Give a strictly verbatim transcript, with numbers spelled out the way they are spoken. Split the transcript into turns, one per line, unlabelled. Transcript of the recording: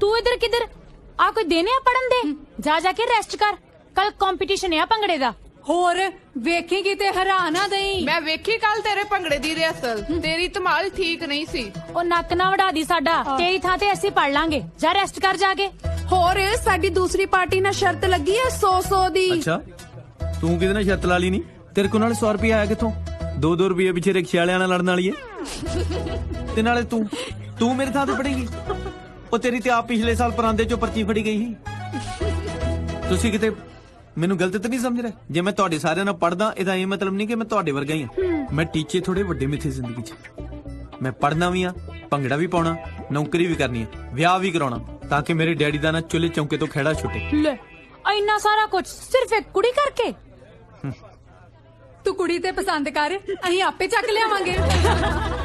ਤੂੰ ਇਧਰ ਕਿਧਰ ਆ? ਕੋਈ ਦੇਨੇ ਆ ਪੜਨ ਦੇ? ਜਾ ਜਾ ਕੇ ਰੈਸਟ ਕਰ, ਕੱਲ ਕੰਪੀਟੀਸ਼ਨ ਆ ਭੰਗੜੇ ਦਾ।
ਹੋਰ ਵੇਖੇਗੀ ਤੇ ਹੈਰਾਨ ਆ ਦਈ।
ਮੈਂ ਵੇਖੀ ਕੱਲ ਤੇਰੇ ਭੰਗੜੇ ਦੀ ਰਿਹਰਸਲ, ਤੇਰੀ ਧਮਾਲ ਠੀਕ ਨਹੀਂ ਸੀ।
ਉਹ ਨੱਕ ਨਾ ਵੜਾ ਦੀ ਸਾਡਾ, ਤੇਰੀ ਥਾਂ ਤੇ ਅਸੀਂ ਪੜ ਲਾਂਗੇ। ਜਾ ਰੈਸਟ ਕਰ ਜਾ ਕੇ।
ਹੋਰ ਸਾਡੀ ਦੂਸਰੀ ਪਾਰਟੀ ਨਾਲ ਸ਼ਰਤ ਲੱਗੀ ਹੈ ਸੌ ਸੌ ਦੀ।
ਅੱਛਾ ਤੂੰ ਕਿਹਦੇ ਨਾਲ ਸ਼ਰਤ ਲਾ ਲਈ ਨਹੀਂ? ਤੇਰੇ ਕੋਲ ਨਾਲ ਸੌ ਰੁਪਏ ਆਇਆ ਕਿੱਥੋਂ? ਦੋ ਦੋ ਰੁਪਏ ਪਿੱਛੇ ਰਿਕਸ਼ੇ ਵਾਲਿਆਂ ਨਾਲ ਲੜਨ ਵਾਲੀ ਏ। ਤੇ ਨਾਲੇ ਤੂੰ ਤੂੰ ਮੇਰੇ ਥਾਂ ਤੇ ਪੜੇਗੀ? ਉਹ ਤੇਰੀ ਤੇ ਆਪ ਪਿਛਲੇ ਸਾਲ ਪਰਾਂਦੇ ਚੋਂ ਪਰਚੀ ਫੜੀ ਗਈ ਸੀ। ਤੁਸੀਂ ਕਿਤੇ ਮੈਨੂੰ ਗਲਤ ਤਾਂ ਨਹੀਂ ਸਮਝ ਰਹੇ? ਜੇ ਮੈਂ ਤੁਹਾਡੇ ਸਾਰਿਆਂ ਨਾਲ ਪੜਦਾ ਇਹਦਾ ਇਹ ਮਤਲਬ ਨਹੀਂ ਕਿ ਮੈਂ ਤੁਹਾਡੇ ਵਰਗਾ ਹੀ ਹਾਂ। ਮੈਂ ਟੀਚੇ ਥੋੜੇ ਵੱਡੇ ਮਿੱਥੇ ਜ਼ਿੰਦਗੀ 'ਚ। ਮੈਂ ਪੜਨਾ ਵੀ ਆ, ਭੰਗੜਾ ਵੀ ਪਾਉਣਾ, ਨੌਕਰੀ ਵੀ ਕਰਨੀ ਹੈ, ਵਿਆਹ ਵੀ ਕਰਾਉਣਾ, ਤਾਂ ਕਿ ਮੇਰੇ ਡੈਡੀ ਦਾ ਨਾ ਚੁੱਲ੍ਹੇ ਚੌਂਕੇ ਤੋਂ ਖਹਿੜਾ ਛੁੱਟੇ।
ਲੈ ਇੰਨਾ ਸਾਰਾ ਕੁਝ ਸਿਰਫ ਇੱਕ ਕੁੜੀ ਕਰਕੇ?
ਤੂੰ ਕੁੜੀ ਤੇ ਪਸੰਦ ਕਰ, ਅਸੀਂ ਆਪੇ ਚੱਕ ਲਿਆਵਾਂਗੇ।